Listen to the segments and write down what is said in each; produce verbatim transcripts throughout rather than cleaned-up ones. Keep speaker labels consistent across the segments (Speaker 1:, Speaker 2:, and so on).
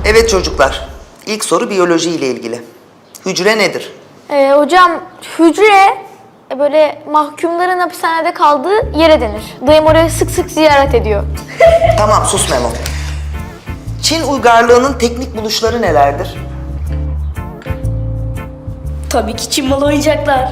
Speaker 1: Evet çocuklar, ilk soru biyoloji ile ilgili. Hücre nedir?
Speaker 2: Ee, hocam hücre e, böyle mahkumların hapishanede kaldığı yere denir. Dayım oraya sık sık ziyaret ediyor.
Speaker 1: Tamam, sus Memo. Çin uygarlığının teknik buluşları nelerdir?
Speaker 3: Tabii ki Çin malı oyuncaklar.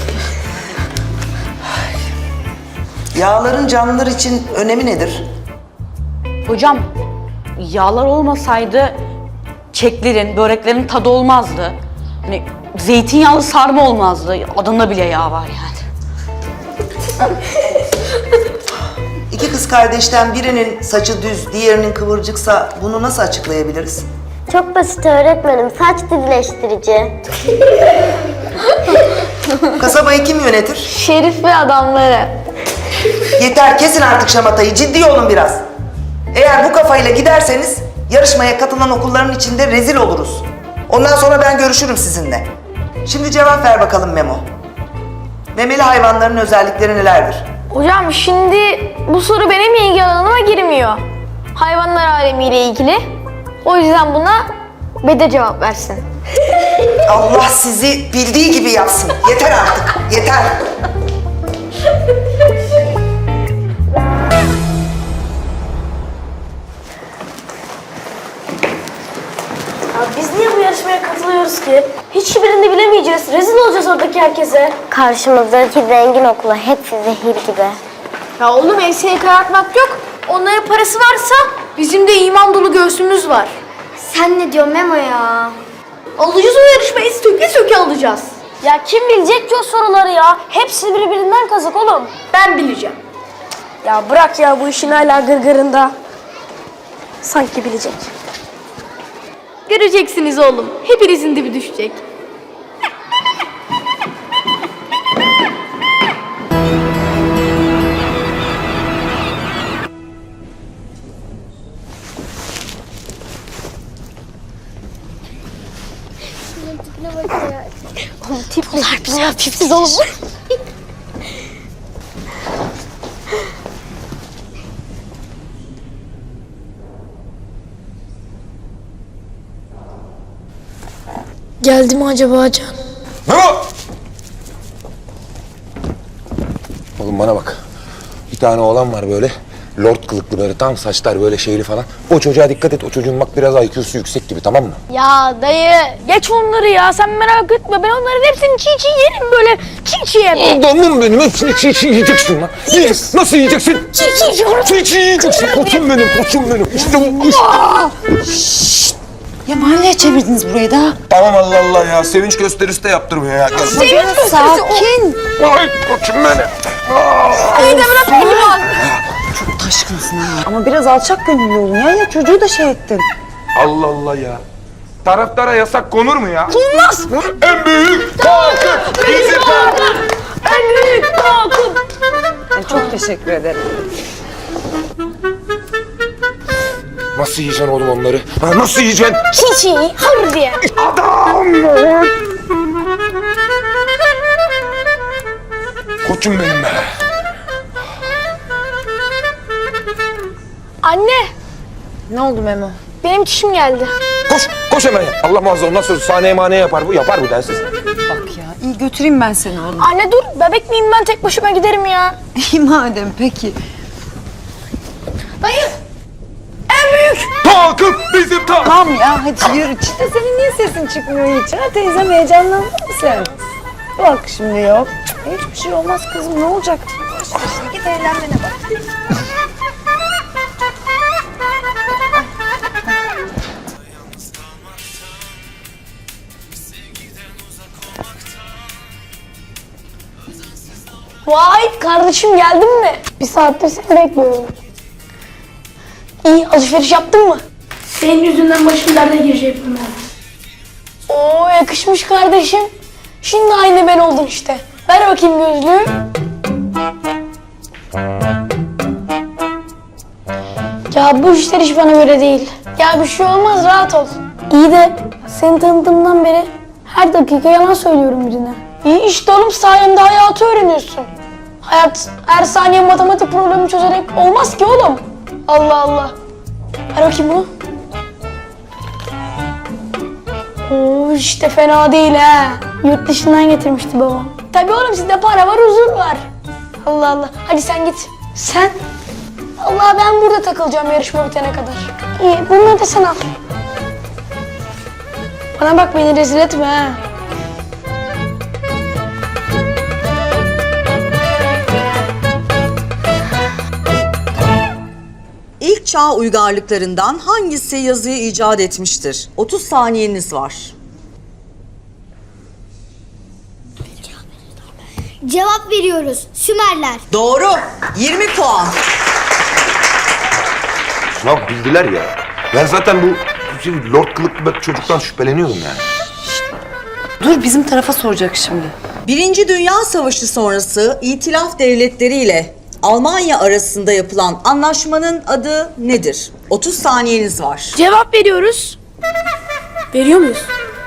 Speaker 1: Yağların canlılar için önemi nedir?
Speaker 4: Hocam, yağlar olmasaydı keklerin, böreklerin tadı olmazdı. Hani zeytinyağlı sarma olmazdı. Adında bile yağ var yani.
Speaker 1: İki kız kardeşten birinin saçı düz, diğerinin kıvırcıksa bunu nasıl açıklayabiliriz?
Speaker 5: Çok basit öğretmenim. Saç düzleştirici.
Speaker 1: Kasabayı kim yönetir?
Speaker 2: Şerif ve adamları.
Speaker 1: Yeter, kesin artık şamatayı, ciddi olun biraz. Eğer bu kafayla giderseniz yarışmaya katılan okulların içinde rezil oluruz. Ondan sonra ben görüşürüm sizinle. Şimdi cevap ver bakalım Memo. Memeli hayvanların özellikleri nelerdir?
Speaker 2: Hocam şimdi bu soru benim ilgi alanıma girmiyor. Hayvanlar alemiyle ilgili. O yüzden buna Bede cevap versin.
Speaker 1: Allah sizi bildiği gibi yapsın. Yeter artık, yeter.
Speaker 3: Ya biz niye bu yarışmaya katılıyoruz ki? Hiçbirini bilemeyeceğiz. Rezil olacağız oradaki herkese.
Speaker 5: Karşımızdaki zengin okula hepsi zehir gibi.
Speaker 2: Ya oğlum enseyi karartmak yok. Onların parası varsa bizim de iman dolu göğsümüz var.
Speaker 5: Sen ne diyorsun Memo ya?
Speaker 3: Alacağız o yarışmayı. Söke söke alacağız.
Speaker 2: Ya kim bilecek ki o soruları ya? Hepsi birbirinden kazık oğlum.
Speaker 3: Ben bileceğim. Ya bırak ya bu işin hala gırgırında. Sanki bilecek.
Speaker 2: Göreceksiniz oğlum. Hepinizin dibi düşecek.
Speaker 5: Tipler güzel, tipsiz oğlum.
Speaker 3: Geldi mi acaba Can?
Speaker 6: Memo! Oğlum bana bak. Bir tane oğlan var böyle. Lord kılıklı böyle, tam saçlar böyle şeyli falan. O çocuğa dikkat et. O çocuğun bak biraz I Q'su yüksek gibi, tamam mı?
Speaker 2: Ya dayı geç onları ya. Sen merak etme. Ben onların hepsini çiğ çiğ yerim böyle. Çiğ çiğ yerim.
Speaker 6: Adamım benim. Hepsini çiğ çiğ yiyeceksin lan. Yiyeceksin. Nasıl yiyeceksin?
Speaker 2: Çiğ çiğ yiyorum.
Speaker 6: Çiğ çiğ yiyeceksin. Koçum benim, koçum benim. İşte bu. Işte.
Speaker 4: Ya mahalleye çevirdiniz burayı da.
Speaker 6: Tamam, Allah Allah ya. Sevinç gösterisi de yaptırmıyor ya. Gel.
Speaker 4: Sakin.
Speaker 6: Ay koçum benim.
Speaker 2: İyi de bırak pehlivan.
Speaker 4: Çok taşkınsın ha. Ama biraz alçak gönüllü olun ya. Ya çocuğu da şey ettin.
Speaker 6: Allah Allah ya. Taraftara yasak konur mu ya? Konmaz. En büyük takım bizim takım.
Speaker 2: En büyük takım.
Speaker 4: Yani çok teşekkür ederim.
Speaker 6: Nasıl yiyeceksin oğlum onları? Ha, nasıl yiyeceksin?
Speaker 2: Çiğ çiğ. Hır diye.
Speaker 6: Adam! Koçum benim be.
Speaker 2: Anne
Speaker 4: Ne oldu Memo?
Speaker 2: benim çişim geldi.
Speaker 6: Koş, koş hemen. Allah muhafaza, ondan sonra sahneye maneye yapar bu. Yapar bu densiz.
Speaker 4: Bak ya, iyi götüreyim ben seni oğlum.
Speaker 2: Anne dur bebek miyim ben tek başıma giderim ya.
Speaker 4: İyi madem, peki.
Speaker 2: Dayı. En büyük.
Speaker 6: Takım bizim takım.
Speaker 4: Tamam ya, hadi yürü. İşte senin niye sesin çıkmıyor hiç? Ha teyzem, heyecanlandın mı sen? Bak şimdi yok. Hiçbir şey olmaz kızım, ne olacak? İşte işte git eğlenmene bak.
Speaker 2: Vay kardeşim geldin mi? Bir saattir seni bekliyorum. İyi alışveriş yaptın mı?
Speaker 3: Senin yüzünden başım derde girecek bunlar.
Speaker 2: Oo yakışmış kardeşim. Şimdi aynı ben oldun işte. Ver bakayım gözlüğü. Ya bu işler hiç bana göre değil. Ya bir şey olmaz rahat ol. İyi de seni tanıdığımdan beri her dakika yalan söylüyorum birine. İyi işte oğlum sayemde hayatı öğreniyorsun. Hayat her saniye matematik problemi çözerek olmaz ki oğlum. Allah Allah. Ver bakayım bunu. Oo işte fena değil ha. Yurt dışından getirmişti babam. Tabii oğlum sizde para var, huzur var. Allah Allah. Hadi sen git. Sen? Allah ben burada takılacağım yarışma bitene kadar. İyi bunları da sen al. Bana bak beni rezil etme ha.
Speaker 7: İlk çağ uygarlıklarından hangisi yazıyı icat etmiştir? otuz saniyeniz var.
Speaker 5: Cevap veriyoruz. Sümerler.
Speaker 7: Doğru. yirmi puan.
Speaker 6: Ya bildiler ya. Ben zaten bu şey, lord kılıklı bir çocuktan şüpheleniyordum yani.
Speaker 8: Dur bizim tarafa soracak şimdi.
Speaker 7: Birinci Dünya Savaşı sonrası İtilaf Devletleri ile Almanya arasında yapılan anlaşmanın adı nedir? otuz saniyeniz var.
Speaker 2: Cevap veriyoruz. Veriyor muyuz?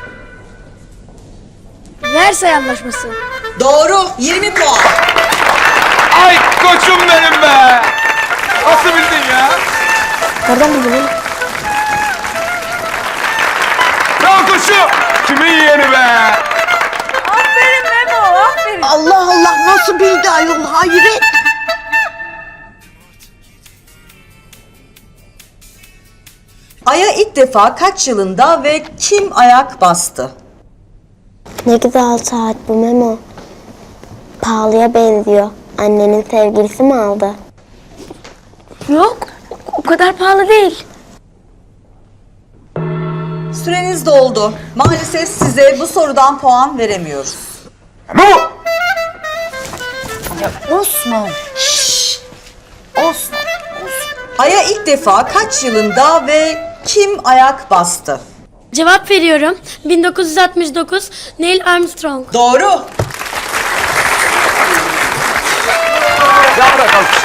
Speaker 2: Versay Anlaşması.
Speaker 7: Doğru. yirmi puan.
Speaker 6: Ay koçum benim be! Nasıl bildin ya?
Speaker 2: Nereden buldun oğlum?
Speaker 6: Ya koçum! Kimin yeğeni be?
Speaker 8: Allah Allah nasıl bildi ayol hayret.
Speaker 7: Ay'a ilk defa kaç yılında ve kim ayak bastı?
Speaker 5: Ne güzel saat bu Memo. Pahalıya benziyor. Annenin sevgilisi mi aldı?
Speaker 2: Yok. O kadar pahalı değil.
Speaker 7: Süreniz doldu. Maalesef size bu sorudan puan veremiyoruz.
Speaker 6: Ama bu!
Speaker 8: Osman. Osman.
Speaker 7: Ay'a ilk defa kaç yılında ve kim ayak bastı?
Speaker 3: Cevap veriyorum. bin dokuz yüz altmış dokuz Neil Armstrong.
Speaker 7: Doğru.
Speaker 6: Ya bırak alkış.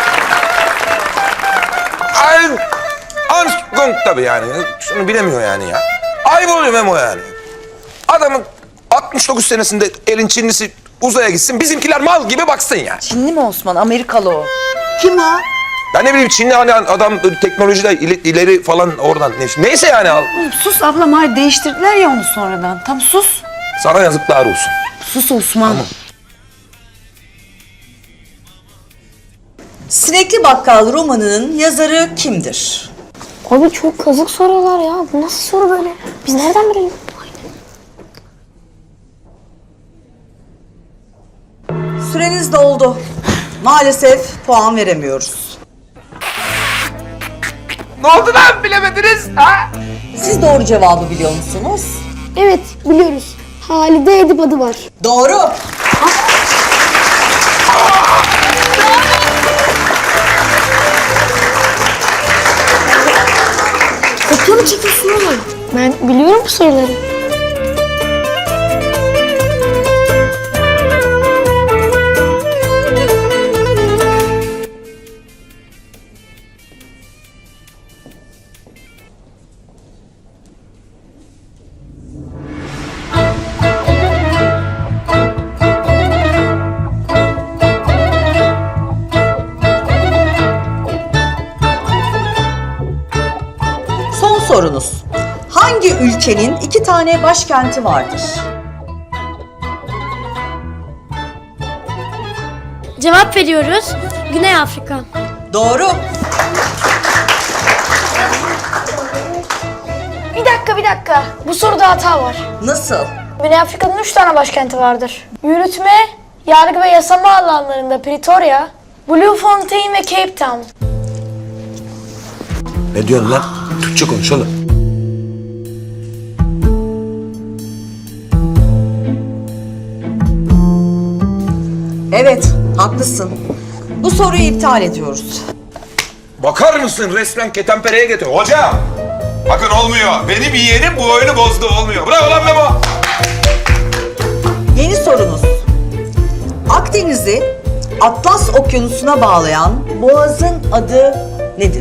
Speaker 6: Ay, Armstrong tabii yani. Şunu bilemiyor yani ya. Ayıp oluyor Memo yani. Adamın altmış dokuz senesinde elin Çinlisi uzaya gitsin, bizimkiler mal gibi baksın yani.
Speaker 8: Çinli mi Osman? Amerikalı o.
Speaker 5: Kim o?
Speaker 6: Ben ne bileyim Çinli hani adam böyle teknolojide ileri, ileri falan oradan. Neyse yani al.
Speaker 8: Sus ablam hayır değiştirdiler ya onu sonradan. Tam sus.
Speaker 6: Sana yazıklar olsun.
Speaker 8: Sus Osman.
Speaker 7: Sinekli Bakkal romanının yazarı kimdir?
Speaker 2: Abi çok kazık sorular ya. Bu nasıl soru böyle? Biz nereden bilelim?
Speaker 7: Süreniz doldu. Maalesef puan veremiyoruz.
Speaker 6: Ne oldu lan bilemediniz ha?
Speaker 7: Siz doğru cevabı biliyor musunuz?
Speaker 2: Evet biliyoruz. Halide Edip adı var.
Speaker 7: Doğru.
Speaker 2: Kopya mı çekiyorsun oğlum? Ben biliyorum bu soruları.
Speaker 7: Son sorunuz. Hangi ülkenin iki tane başkenti vardır?
Speaker 3: Cevap veriyoruz. Güney Afrika.
Speaker 7: Doğru.
Speaker 2: Bir dakika bir dakika. Bu soruda hata var.
Speaker 7: Nasıl?
Speaker 2: Güney Afrika'nın üç tane başkenti vardır. Yürütme, yargı ve yasama alanlarında Pretoria, Bloemfontein ve Cape Town.
Speaker 6: Ne diyorsun lan? Türkçe konuş oğlum.
Speaker 7: Evet, haklısın. Bu soruyu iptal ediyoruz.
Speaker 6: Bakar mısın resmen ketenpereye getiriyor. Hocam! Bakın olmuyor. Benim yeğenim bu oyunu bozdu olmuyor. Bravo lan Memo.
Speaker 7: Yeni sorunuz. Akdeniz'i Atlas Okyanusu'na bağlayan boğazın adı nedir?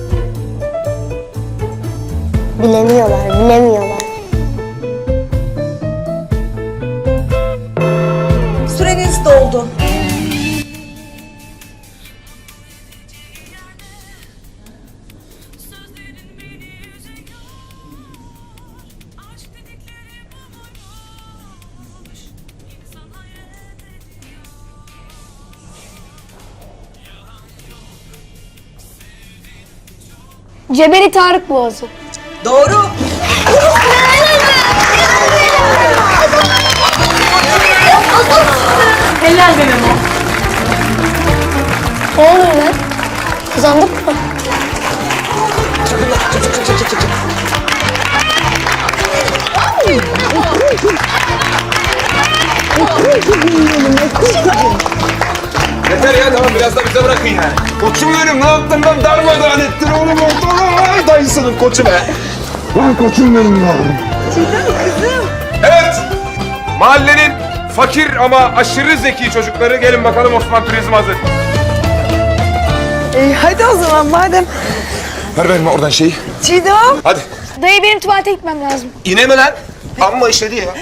Speaker 5: Bilemiyorlar, bilemiyorlar.
Speaker 7: Süreniz doldu.
Speaker 2: Cebeli Tarık Boğazı.
Speaker 7: Doğru.
Speaker 4: Helal be Memo.
Speaker 2: Ne oluyor lan? Kazandık mı?
Speaker 6: Yeter ya tamam biraz da bize bırakın yani. Koçum benim ne yaptın lan darmadağın ettin oğlum ortalığı. Ay dayısının koçu be. Lan koçum benim ya. kızım. Evet. Mahallenin fakir ama aşırı zeki çocukları gelin bakalım Osman Turizm hazır.
Speaker 8: E, hadi o zaman madem.
Speaker 6: Ver benim oradan şeyi.
Speaker 8: Çiğdem.
Speaker 6: Hadi.
Speaker 2: Dayı benim tuvalete gitmem lazım.
Speaker 6: Yine mi lan? Amma işledi ya.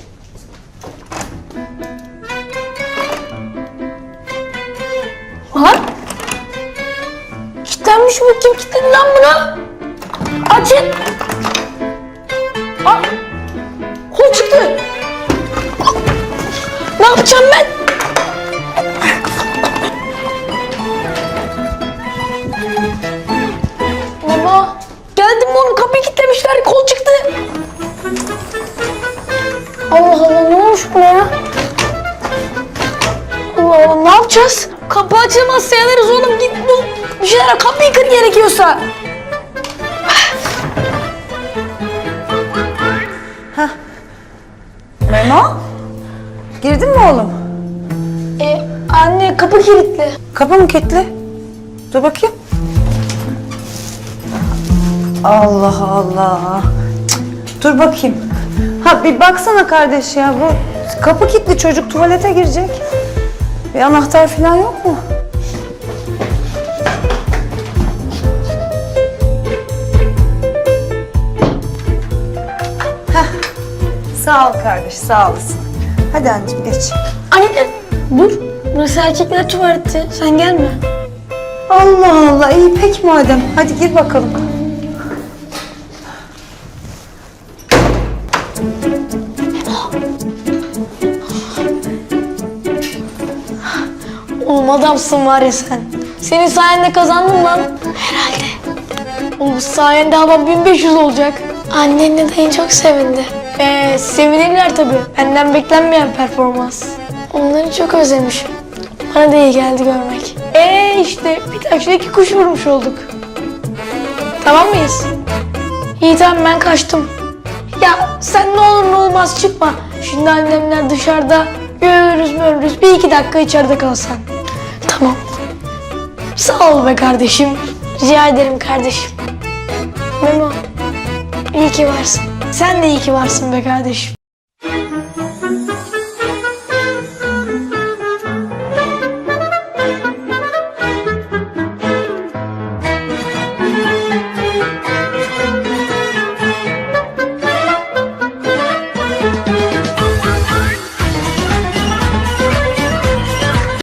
Speaker 2: Lan! Kilitlenmiş bu. Kim kilitledi lan bunu? Açın! Aa! Kol çıktı. Ne yapacağım ben? Baba! Geldim oğlum, kapıyı kilitlemişler, kol çıktı. Allah Allah, ne olmuş buna ya? Allah Allah, ne yapacağız? Kapı açılmazsa yanarız oğlum, git bul. Bir şeyler, kapıyı kır gerekiyorsa.
Speaker 8: Memo. Girdin mi oğlum?
Speaker 2: E, anne kapı kilitli.
Speaker 8: Kapı mı kilitli? Dur bakayım. Allah Allah. Cık, dur bakayım. Ha bir baksana kardeş ya, bu kapı kilitli, çocuk tuvalete girecek. Bir anahtar falan yok mu? Heh. Sağ ol kardeş, sağ olasın. Hadi anneciğim geç.
Speaker 2: Anne dur, burası erkekler tuvaleti, sen gelme.
Speaker 8: Allah Allah, iyi peki madem. Hadi gir bakalım.
Speaker 2: Oğlum adamsın var ya sen. Senin sayende kazandım lan. Herhalde. Oğlum sayende hava bin beş yüz olacak. Annenle dayın çok sevindi. Ee, sevinirler tabii. Benden beklenmeyen performans. Onları çok özlemişim. Bana da iyi geldi görmek. Ee işte bir taşla iki kuş vurmuş olduk. Tamam mıyız? İyi tamam, ben kaçtım. Ya sen ne olur ne olmaz çıkma. Şimdi annemler dışarıda. Görürüz görürüz. Bir iki dakika içeride kalsan. Tamam. Sağ ol be kardeşim. Rica ederim kardeşim. Memo, iyi ki varsın. Sen de iyi ki varsın be kardeşim.